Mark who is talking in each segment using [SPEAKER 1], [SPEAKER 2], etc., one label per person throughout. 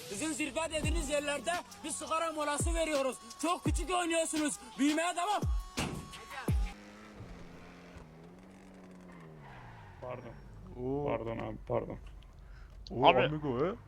[SPEAKER 1] Sizin zirve dediğiniz yerlerde bir sigara molası veriyoruz. Çok küçük oynuyorsunuz. Büyümeye devam.
[SPEAKER 2] Pardon.
[SPEAKER 3] Oo.
[SPEAKER 2] Pardon abi pardon.
[SPEAKER 3] Oo
[SPEAKER 4] Abi.
[SPEAKER 3] amigo he.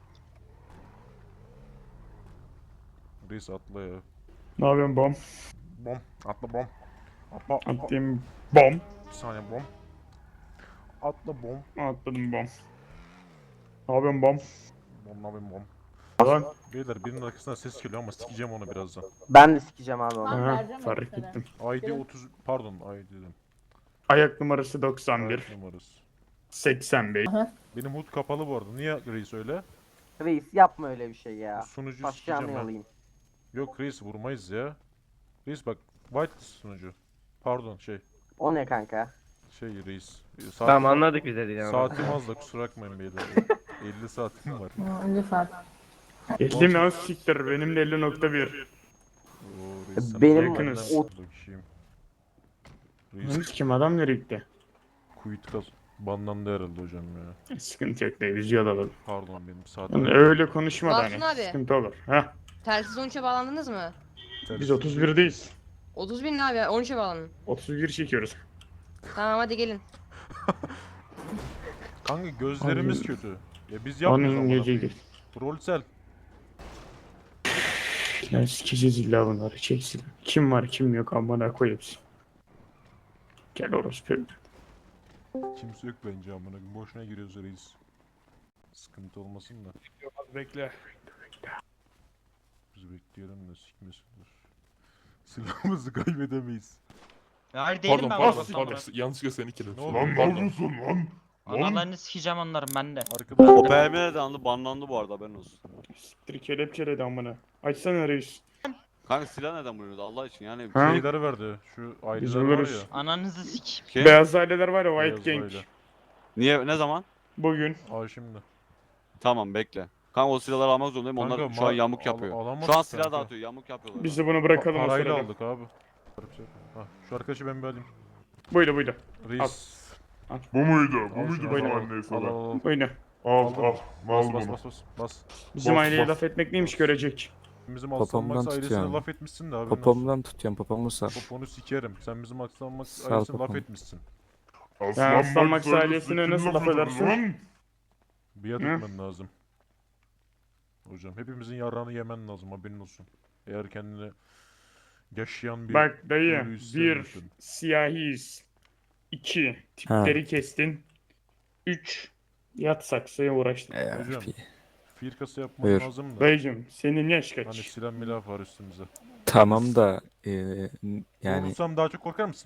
[SPEAKER 3] Reis atla ya.
[SPEAKER 2] Ne yapıyorsun bom?
[SPEAKER 3] Bom. Atla bom. Atla.
[SPEAKER 2] Attım bom.
[SPEAKER 3] Bir saniye bom. Atla bom.
[SPEAKER 2] Atladım bom. Ne yapıyorsun bom?
[SPEAKER 3] Bom ne yapayım bom.
[SPEAKER 2] Lan.
[SPEAKER 3] Beyler birinin arkasından ses geliyor ama sikeceğim onu birazdan.
[SPEAKER 5] Ben de sikeceğim abi onu.
[SPEAKER 6] Tamam,
[SPEAKER 2] Ha,
[SPEAKER 6] vereceğim
[SPEAKER 2] fark
[SPEAKER 6] onu sana.
[SPEAKER 2] ettim.
[SPEAKER 3] ID 30 pardon ID dedim.
[SPEAKER 2] Ayak numarası 91.
[SPEAKER 3] Ayak numarası.
[SPEAKER 2] 85.
[SPEAKER 3] Benim HUD kapalı bu arada. Niye reis öyle?
[SPEAKER 5] Reis yapma öyle bir şey ya.
[SPEAKER 3] Sunucu
[SPEAKER 5] Başlayacağım
[SPEAKER 3] sikeceğim ben.
[SPEAKER 5] alayım.
[SPEAKER 3] Yok reis vurmayız ya. Reis bak white sunucu. Pardon
[SPEAKER 5] O ne kanka?
[SPEAKER 3] reis.
[SPEAKER 4] Tamam anladık biz dediğini ama.
[SPEAKER 3] Saatim az da kusura bakmayın beyler. 50 saatim var.
[SPEAKER 6] Lütfen.
[SPEAKER 2] 50 mi az siktir benim de 50.1.
[SPEAKER 3] Oo, reis, sen
[SPEAKER 5] Benim
[SPEAKER 3] yakınız.
[SPEAKER 5] o-
[SPEAKER 3] Bakayım.
[SPEAKER 2] Lan
[SPEAKER 3] Reis
[SPEAKER 2] kim adam nereye gitti?
[SPEAKER 3] quit kaz. Banlandı herhalde hocam ya.
[SPEAKER 2] Sıkıntı yok değil yüzüyor alalım.
[SPEAKER 3] Pardon benim saatim.
[SPEAKER 2] Yani öyle konuşma da
[SPEAKER 7] Basın
[SPEAKER 2] hani.
[SPEAKER 7] abi.
[SPEAKER 2] Sıkıntı olur. Heh.
[SPEAKER 7] Telsiz 13'e bağlandınız mı?
[SPEAKER 2] Biz 31'deyiz.
[SPEAKER 7] 30 bin ne abi? 13'e bağlanın.
[SPEAKER 2] 31 çekiyoruz.
[SPEAKER 7] Tamam hadi gelin.
[SPEAKER 3] Kanka gözlerimiz
[SPEAKER 2] Onun-
[SPEAKER 3] kötü. Ya biz yapmıyoruz
[SPEAKER 2] Onun
[SPEAKER 3] ama.
[SPEAKER 2] geceydi.
[SPEAKER 3] Rolsel.
[SPEAKER 2] Ya sikeceğiz illa bunları çeksin. Kim var kim yok amına koyayım. Gel orospu.
[SPEAKER 3] Kimse yok bence amına. Boşuna giriyoruz reis. Sıkıntı olmasın da.
[SPEAKER 2] Bekle.
[SPEAKER 3] Biz bekleyelim de sikmesinler. Silahımızı kaybedemeyiz.
[SPEAKER 8] Hayır değilim ben
[SPEAKER 9] Pardon, yanlışlıkla seni
[SPEAKER 3] Ne
[SPEAKER 9] kilitledim.
[SPEAKER 3] oldu?
[SPEAKER 9] Lan ne yapıyorsun lan?
[SPEAKER 8] Analarını sikeceğim onların ben de.
[SPEAKER 3] Arkadaşlar.
[SPEAKER 10] O BM de anlı banlandı bu arada haberin olsun.
[SPEAKER 2] Siktir kelepçeledi amına. Açsana reis.
[SPEAKER 10] Kanka silah neden vuruyoruz Allah için yani.
[SPEAKER 2] Ha?
[SPEAKER 3] Şeyleri verdi. Şu
[SPEAKER 2] Biz
[SPEAKER 3] aileler var
[SPEAKER 2] buluruz.
[SPEAKER 3] ya.
[SPEAKER 8] Ananızı sik.
[SPEAKER 10] Kim?
[SPEAKER 2] Beyaz aileler var ya White
[SPEAKER 3] Beyaz
[SPEAKER 2] Gang.
[SPEAKER 3] aile.
[SPEAKER 10] Niye ne zaman?
[SPEAKER 2] Bugün.
[SPEAKER 3] Aa şimdi.
[SPEAKER 10] Tamam bekle. Kanka o silahları almak zorundayım onlar
[SPEAKER 3] Kanka,
[SPEAKER 10] şu an
[SPEAKER 3] ma-
[SPEAKER 10] yamuk
[SPEAKER 3] al-
[SPEAKER 10] yapıyor.
[SPEAKER 3] alamadık
[SPEAKER 10] Şu an silah
[SPEAKER 3] kanka.
[SPEAKER 10] dağıtıyor yamuk yapıyorlar.
[SPEAKER 2] Biz de bunu bırakalım o
[SPEAKER 3] Parayla
[SPEAKER 2] sırada.
[SPEAKER 3] aldık abi. Ha, şu arkadaşı ben bir alayım.
[SPEAKER 2] Buydu buydu.
[SPEAKER 3] Reis.
[SPEAKER 9] Bu muydu? Bu
[SPEAKER 3] Al
[SPEAKER 9] muydu
[SPEAKER 3] şunu,
[SPEAKER 9] bizim
[SPEAKER 3] al,
[SPEAKER 9] annesi
[SPEAKER 3] al,
[SPEAKER 9] olan?
[SPEAKER 3] al, al.
[SPEAKER 2] Buydu.
[SPEAKER 9] Al
[SPEAKER 3] Aldım.
[SPEAKER 9] al.
[SPEAKER 3] Bas
[SPEAKER 9] Al
[SPEAKER 3] bas
[SPEAKER 9] bunu.
[SPEAKER 3] bas bas bas.
[SPEAKER 2] Bizim
[SPEAKER 9] Bas,
[SPEAKER 2] aileye
[SPEAKER 9] bas.
[SPEAKER 2] laf etmek neymiş görecek.
[SPEAKER 3] Bizim Aslan Max
[SPEAKER 11] Popomdan
[SPEAKER 3] ailesine
[SPEAKER 11] tutuyorum.
[SPEAKER 3] laf etmişsin de abi.
[SPEAKER 11] Popomdan tutuyorum popomu sar.
[SPEAKER 3] Poponu sikerim. Sen bizim Aslan Max
[SPEAKER 11] Sağ ol
[SPEAKER 3] ailesine laf
[SPEAKER 11] popom.
[SPEAKER 3] etmişsin.
[SPEAKER 2] Aslan Max ailesine nasıl laf edersin?
[SPEAKER 9] Lan?
[SPEAKER 3] Biat
[SPEAKER 2] Hı?
[SPEAKER 3] etmen lazım. Hocam hepimizin yarrağını yemen lazım haberin olsun. Eğer kendini yaşayan bir
[SPEAKER 2] Bak dayı
[SPEAKER 3] ölü
[SPEAKER 2] bir
[SPEAKER 3] hissediyorsun.
[SPEAKER 2] siyahiyiz. 2 tipleri kestin. 3 yat saksıya uğraştın.
[SPEAKER 3] Hocam. Firkası yapman
[SPEAKER 11] Buyur.
[SPEAKER 3] lazım da.
[SPEAKER 2] Dayıcım senin yaş
[SPEAKER 3] Hani
[SPEAKER 2] kaç?
[SPEAKER 3] silah milah var üstümüze.
[SPEAKER 11] Tamam da yani
[SPEAKER 3] Vurursam daha çok korkar mısın?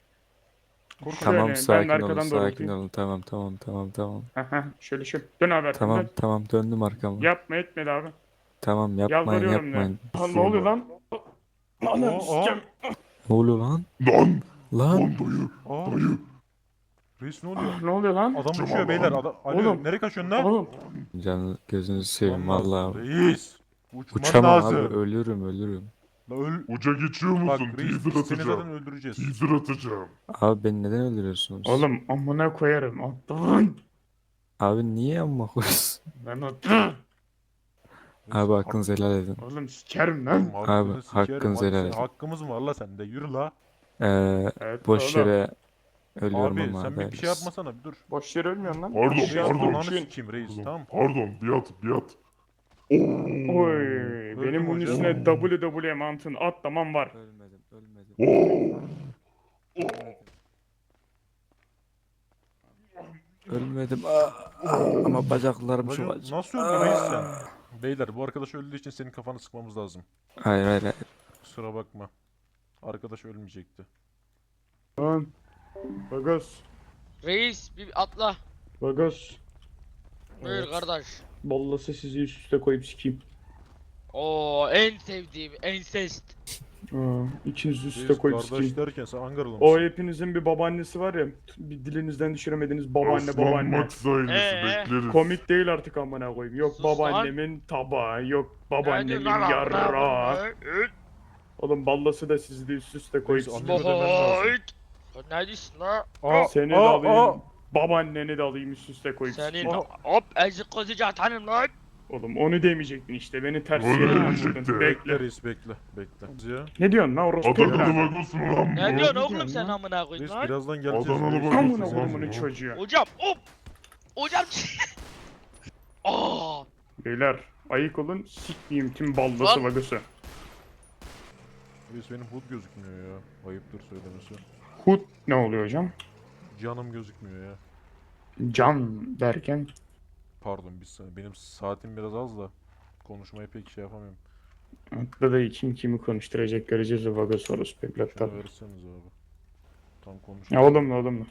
[SPEAKER 11] tamam
[SPEAKER 2] ben
[SPEAKER 11] sakin olun
[SPEAKER 2] arkadan
[SPEAKER 11] sakin
[SPEAKER 2] doğrultayım.
[SPEAKER 11] olun tamam.
[SPEAKER 2] Aha, şöyle şu. Dön abi arkamdan.
[SPEAKER 11] Tamam döndüm arkama.
[SPEAKER 2] Yapma etmedi abi.
[SPEAKER 11] Tamam yapmayın
[SPEAKER 2] Yalvarıyorum
[SPEAKER 11] yapmayın.
[SPEAKER 2] Lan ne oluyor lan? Anam
[SPEAKER 3] Aa,
[SPEAKER 2] sikeceğim.
[SPEAKER 11] Ne oluyor lan?
[SPEAKER 9] Lan!
[SPEAKER 11] Lan
[SPEAKER 9] Lan dayı!
[SPEAKER 3] Aa.
[SPEAKER 9] Dayı!
[SPEAKER 3] Reis ne oluyor?
[SPEAKER 2] Ne oluyor lan?
[SPEAKER 3] Adam
[SPEAKER 9] Tamam,
[SPEAKER 3] uçuyor beyler.
[SPEAKER 9] oğlum.
[SPEAKER 3] Alo
[SPEAKER 2] Oğlum.
[SPEAKER 3] nereye kaçıyorsun lan?
[SPEAKER 2] Oğlum.
[SPEAKER 11] canı gözünüzü seveyim
[SPEAKER 3] Uçman
[SPEAKER 11] vallahi.
[SPEAKER 3] lazım, Reis. Uçman
[SPEAKER 11] Uçamam
[SPEAKER 3] lazım.
[SPEAKER 11] abi ölürüm.
[SPEAKER 3] La öl.
[SPEAKER 9] Uca geçiyor
[SPEAKER 3] Bak
[SPEAKER 9] musun?
[SPEAKER 3] reis
[SPEAKER 9] Teaser
[SPEAKER 3] biz seni zaten
[SPEAKER 9] atacağım.
[SPEAKER 3] öldüreceğiz.
[SPEAKER 9] Teaser atacağım.
[SPEAKER 11] Abi beni neden öldürüyorsunuz?
[SPEAKER 2] Oğlum amına koyarım. Attın.
[SPEAKER 11] Abi niye amma koyuyorsun?
[SPEAKER 2] Ben attım.
[SPEAKER 11] Abi hakkınızı helal edin.
[SPEAKER 2] Oğlum sikerim lan.
[SPEAKER 3] Hakkını sikerim.
[SPEAKER 11] hakkınızı helal edin.
[SPEAKER 3] Hakkımız mı var la sende? Yürü la.
[SPEAKER 2] Evet,
[SPEAKER 11] Boş
[SPEAKER 2] oğlum.
[SPEAKER 11] yere ölüyorum
[SPEAKER 3] Abi
[SPEAKER 11] ama
[SPEAKER 3] sen bir şey
[SPEAKER 11] haberiniz.
[SPEAKER 3] yapmasana bir dur.
[SPEAKER 2] Boş yere ölmüyorsun lan.
[SPEAKER 9] Pardon,
[SPEAKER 3] Bir
[SPEAKER 9] pardon.
[SPEAKER 3] ananı
[SPEAKER 2] Düşün.
[SPEAKER 3] sikeyim reis
[SPEAKER 9] Pardon,
[SPEAKER 3] tamam.
[SPEAKER 9] Pardon, biat.
[SPEAKER 2] Oy, benim bunun
[SPEAKER 3] hocam.
[SPEAKER 2] üstüne WWE mantığın atlamam var.
[SPEAKER 11] Ölmedim.
[SPEAKER 9] Oo!
[SPEAKER 11] Ölmedim. Ama bacaklarım çok
[SPEAKER 3] Bacım,
[SPEAKER 11] acı.
[SPEAKER 3] nasıl öldün reis sen? Beyler bu arkadaş öldüğü için senin kafanı sıkmamız lazım.
[SPEAKER 11] Hayır.
[SPEAKER 3] Kusura bakma. Arkadaş ölmeyecekti.
[SPEAKER 2] Lan. Bagos.
[SPEAKER 4] Reis bir atla.
[SPEAKER 2] Bagos.
[SPEAKER 4] Buyur
[SPEAKER 2] Evet.
[SPEAKER 4] kardeş.
[SPEAKER 2] Ballası sizi üst üste koyup sikeyim.
[SPEAKER 4] Oo en sevdiğim ensest.
[SPEAKER 2] İkinizi üst üste
[SPEAKER 3] Reis
[SPEAKER 2] koyup
[SPEAKER 3] kardeş
[SPEAKER 2] sikeyim.
[SPEAKER 3] derken sen Ankaralı
[SPEAKER 2] O
[SPEAKER 3] mısın?
[SPEAKER 2] hepinizin bir babaannesi var ya. Bir dilinizden düşüremediğiniz babaanne
[SPEAKER 9] Aslan
[SPEAKER 2] babaanne.
[SPEAKER 9] Max ailesi bekleriz.
[SPEAKER 2] Komik değil artık amına koyayım. Yok
[SPEAKER 4] Sus lan.
[SPEAKER 2] babaannemin tabağı, yok babaannemin
[SPEAKER 4] Ne diyorsun lan
[SPEAKER 2] yarrağı.
[SPEAKER 4] lan?
[SPEAKER 2] Oğlum ballası da sizi de üst üste koyup
[SPEAKER 3] Reis,
[SPEAKER 2] sikeyim.
[SPEAKER 3] anne- ödemen lazım.
[SPEAKER 4] Bohoyt. Ne diyorsun la?
[SPEAKER 3] Aa,
[SPEAKER 2] Seni de
[SPEAKER 3] aa,
[SPEAKER 2] alayım.
[SPEAKER 3] aa.
[SPEAKER 2] Babaanneni de alayım üst üste koyup
[SPEAKER 4] Senin
[SPEAKER 2] sikeyim.
[SPEAKER 4] hop ezik kozucu atanım lan.
[SPEAKER 2] Oğlum onu demeyecektin işte. Beni ters
[SPEAKER 9] Öyle
[SPEAKER 2] yere
[SPEAKER 9] demeyecekti.
[SPEAKER 2] vurdun.
[SPEAKER 3] Bekle
[SPEAKER 2] Bekle.
[SPEAKER 3] reis bekle. Bekle. Ya.
[SPEAKER 2] Ne diyorsun lan orospu
[SPEAKER 9] Adanalı
[SPEAKER 2] evladı?
[SPEAKER 9] vagosu mu lan bu?
[SPEAKER 4] Ne diyorsun oğlum
[SPEAKER 2] diyorsun
[SPEAKER 4] sen
[SPEAKER 2] lan?
[SPEAKER 4] amına koyayım
[SPEAKER 3] Reis
[SPEAKER 4] lan?
[SPEAKER 3] birazdan geleceğiz.
[SPEAKER 9] Adanalı
[SPEAKER 3] reis.
[SPEAKER 9] balık.
[SPEAKER 2] Amına
[SPEAKER 9] Tamam,
[SPEAKER 2] kodumun
[SPEAKER 9] bu.
[SPEAKER 2] çocuğu.
[SPEAKER 4] Hocam hop. Hocam. Aa.
[SPEAKER 2] Beyler ayık olun sikmeyeyim tüm ballası
[SPEAKER 4] Lan.
[SPEAKER 2] vagosu.
[SPEAKER 3] Reis benim hud gözükmüyor ya. Ayıptır söylemesi.
[SPEAKER 2] Hut ne oluyor hocam?
[SPEAKER 3] Canım gözükmüyor ya.
[SPEAKER 2] Can derken
[SPEAKER 3] Pardon bir saniye. Benim saatim biraz az da konuşmayı pek şey yapamıyorum.
[SPEAKER 2] atla da kim kimi konuşturacak göreceğiz o vagosu orospu evlatlar.
[SPEAKER 3] Şunu verirseniz abi. Tam konuş.
[SPEAKER 2] Ya oğlum.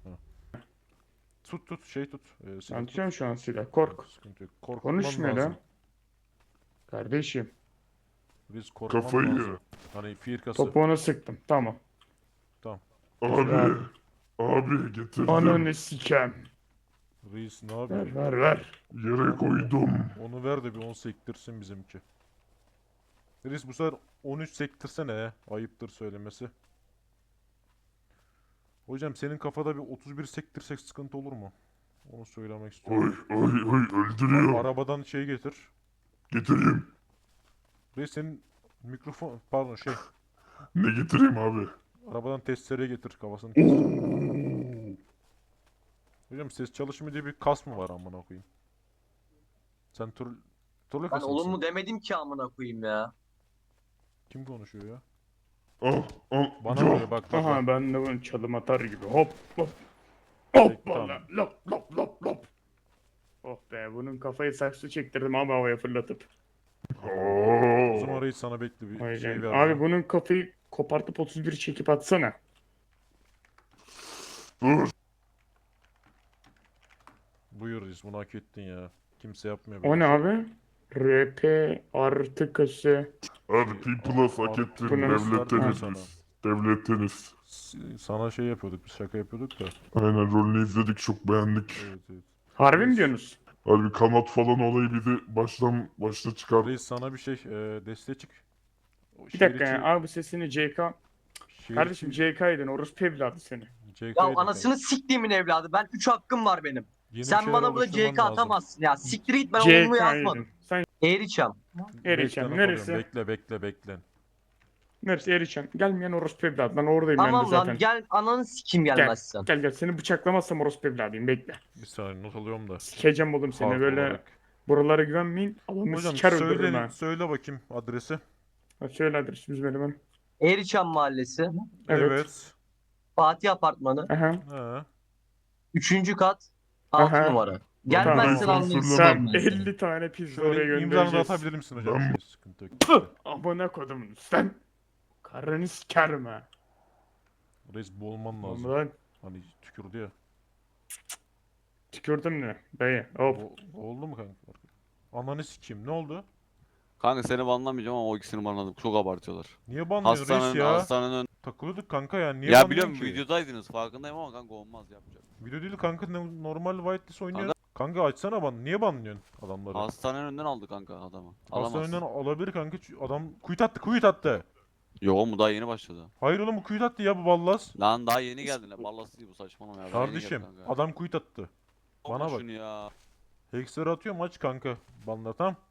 [SPEAKER 3] Tut şey tut. Silah
[SPEAKER 2] Ben
[SPEAKER 3] tut.
[SPEAKER 2] tutuyorum şu an silah. Kork.
[SPEAKER 3] Sıkıntı yok. Korkman
[SPEAKER 2] Konuşmuyor
[SPEAKER 3] lazım.
[SPEAKER 2] lan. Kardeşim.
[SPEAKER 3] Reis korkman
[SPEAKER 9] Kafayı
[SPEAKER 3] lazım.
[SPEAKER 9] ye.
[SPEAKER 3] Hani firkası.
[SPEAKER 2] Topuğunu sıktım. Tamam.
[SPEAKER 9] Abi. Abi getirdim.
[SPEAKER 2] Ananı sikem.
[SPEAKER 3] Reis ne yapıyor?
[SPEAKER 2] Ver.
[SPEAKER 9] Yere koydum.
[SPEAKER 3] Onu ver de bir 10 sektirsin bizimki. Reis bu sefer 13 sektirsene ya. Ayıptır söylemesi. Hocam senin kafada bir 31 sektirsek sıkıntı olur mu? Onu söylemek istiyorum.
[SPEAKER 9] Oy öldürüyor.
[SPEAKER 3] Arabadan şey getir.
[SPEAKER 9] Getireyim.
[SPEAKER 3] Reis senin mikrofon pardon şey.
[SPEAKER 9] Ne getireyim abi?
[SPEAKER 3] Arabadan testere getir kafasını. Hocam ses çalışmıyor diye bir kas mı var amına koyayım? Sen turla
[SPEAKER 6] Ben
[SPEAKER 3] kası
[SPEAKER 6] olumlu
[SPEAKER 3] mısın?
[SPEAKER 6] demedim ki amına koyayım ya.
[SPEAKER 3] Kim konuşuyor ya?
[SPEAKER 9] Al.
[SPEAKER 3] Bana
[SPEAKER 9] Yok.
[SPEAKER 3] oluyor bak.
[SPEAKER 2] Aha ben de bunu çalım atar gibi. Hop. Hoppala.
[SPEAKER 3] Tamam.
[SPEAKER 2] Lop. Oh be bunun kafayı saksı çektirdim abi havaya fırlatıp.
[SPEAKER 3] O zaman reis sana bekle bir
[SPEAKER 2] Vay
[SPEAKER 3] şey
[SPEAKER 2] canına.
[SPEAKER 3] ver.
[SPEAKER 2] Abi bunun kafayı kopartıp 31 çekip atsana.
[SPEAKER 9] Dur.
[SPEAKER 3] Buyur reis bunu hak ettin ya. Kimse yapmıyor
[SPEAKER 2] O
[SPEAKER 3] böyle
[SPEAKER 2] ne
[SPEAKER 3] şey.
[SPEAKER 2] abi? RP artı kası.
[SPEAKER 9] Abi P+ hak ettin.
[SPEAKER 2] Bunu
[SPEAKER 9] Devletteniz. Devletteniz.
[SPEAKER 3] Sana şey yapıyorduk biz şaka yapıyorduk da.
[SPEAKER 9] Aynen rolünü izledik çok beğendik.
[SPEAKER 3] Evet.
[SPEAKER 2] Harbi mi diyorsunuz?
[SPEAKER 9] Abi kanat falan olayı bir de başta çıkar.
[SPEAKER 3] Reis sana bir şey desteğe çık. O
[SPEAKER 2] Bir
[SPEAKER 3] şehir
[SPEAKER 2] dakika
[SPEAKER 3] içi-
[SPEAKER 2] ya abi sesini CK.
[SPEAKER 3] şehir
[SPEAKER 2] Kardeşim
[SPEAKER 3] içi-
[SPEAKER 2] CK'ydın orospu evladı seni.
[SPEAKER 3] CK
[SPEAKER 6] Ya
[SPEAKER 3] 'ydi
[SPEAKER 6] anasını siktiğimin evladı. Ben 3 hakkım var benim.
[SPEAKER 3] kanka. Yeni bir
[SPEAKER 6] Sen
[SPEAKER 3] şeyler
[SPEAKER 6] bana burada
[SPEAKER 3] oluşturman
[SPEAKER 6] CK
[SPEAKER 3] lazım.
[SPEAKER 6] atamazsın ya. Siktir git ben olumlu yazmadım.
[SPEAKER 2] CK'ydın. Sen
[SPEAKER 6] Eğriçam.
[SPEAKER 2] Eriçen
[SPEAKER 3] Bekle,
[SPEAKER 2] neresi?
[SPEAKER 3] Bekle.
[SPEAKER 2] Neresi Eriçen? Gelmeyen orospu evladı. Ben oradayım ben de
[SPEAKER 6] Tamam
[SPEAKER 2] zaten.
[SPEAKER 6] lan gel ananı sikeyim gelmezsen.
[SPEAKER 2] Gel seni bıçaklamazsam orospu evladıyım bekle.
[SPEAKER 3] Bir saniye not alıyorum da.
[SPEAKER 2] Sikeceğim oğlum seni
[SPEAKER 3] Hard
[SPEAKER 2] böyle
[SPEAKER 3] olarak.
[SPEAKER 2] buralara güvenmeyin. Adamı
[SPEAKER 3] Hocam
[SPEAKER 2] siker öldürürüm ha.
[SPEAKER 3] söyle bakayım adresi.
[SPEAKER 2] Ha, söyle adresimiz benim ben.
[SPEAKER 6] Eğriçam Mahallesi.
[SPEAKER 2] Evet.
[SPEAKER 6] Fatih Apartmanı.
[SPEAKER 2] Aha.
[SPEAKER 3] Ha.
[SPEAKER 6] 3. kat. 6
[SPEAKER 2] Aha.
[SPEAKER 6] numara. Gelmezsen
[SPEAKER 9] Tamam.
[SPEAKER 6] anlayın
[SPEAKER 2] Sen
[SPEAKER 6] sikeyim ben seni.
[SPEAKER 2] 50 tane pizza oraya
[SPEAKER 3] Şöyle imzanı da
[SPEAKER 2] göndereceğiz.
[SPEAKER 3] atabilir misin hocam?
[SPEAKER 9] Ben-
[SPEAKER 3] Sıkıntı yok.
[SPEAKER 2] Amına kodumun sen. Karını sikerim ha.
[SPEAKER 3] Reis boğulman lazım.
[SPEAKER 2] Lan
[SPEAKER 3] Hani tükürdü ya.
[SPEAKER 2] tükürdüm ne? Dayı hop.
[SPEAKER 3] Oldu mu kanka? Ananı sikeyim ne oldu?
[SPEAKER 10] Kanka seni banlamayacağım ama o ikisini banladım. Çok abartıyorlar.
[SPEAKER 3] Niye banlıyorsun reis ya?
[SPEAKER 10] Hastanenin
[SPEAKER 3] Takılıyorduk kanka ya. Niye
[SPEAKER 10] Ya
[SPEAKER 3] banlıyorsun
[SPEAKER 10] biliyorum
[SPEAKER 3] ki?
[SPEAKER 10] videodaydınız farkındayım ama kanka olmaz yapacak.
[SPEAKER 3] Video değil kanka normal whitelist oynuyor. Kanka açsana niye banlıyorsun adamları?
[SPEAKER 10] Hastanenin önünden aldı kanka adamı.
[SPEAKER 3] Hastaneden
[SPEAKER 10] Alamazsın.
[SPEAKER 3] alabilir kanka. Adam quit attı.
[SPEAKER 10] Yo oğlum bu daha yeni başladı.
[SPEAKER 3] Hayır oğlum bu quit attı ya bu ballas.
[SPEAKER 10] Lan daha yeni geldin ya. Ballası değil bu saçmalama ya. Daha yeni
[SPEAKER 3] Kardeşim
[SPEAKER 10] geldi kanka.
[SPEAKER 3] adam quit attı.
[SPEAKER 10] Olma
[SPEAKER 3] bana bak.
[SPEAKER 10] şunu ya.
[SPEAKER 3] Hexer'ı atıyor maç kanka. Banla tamam.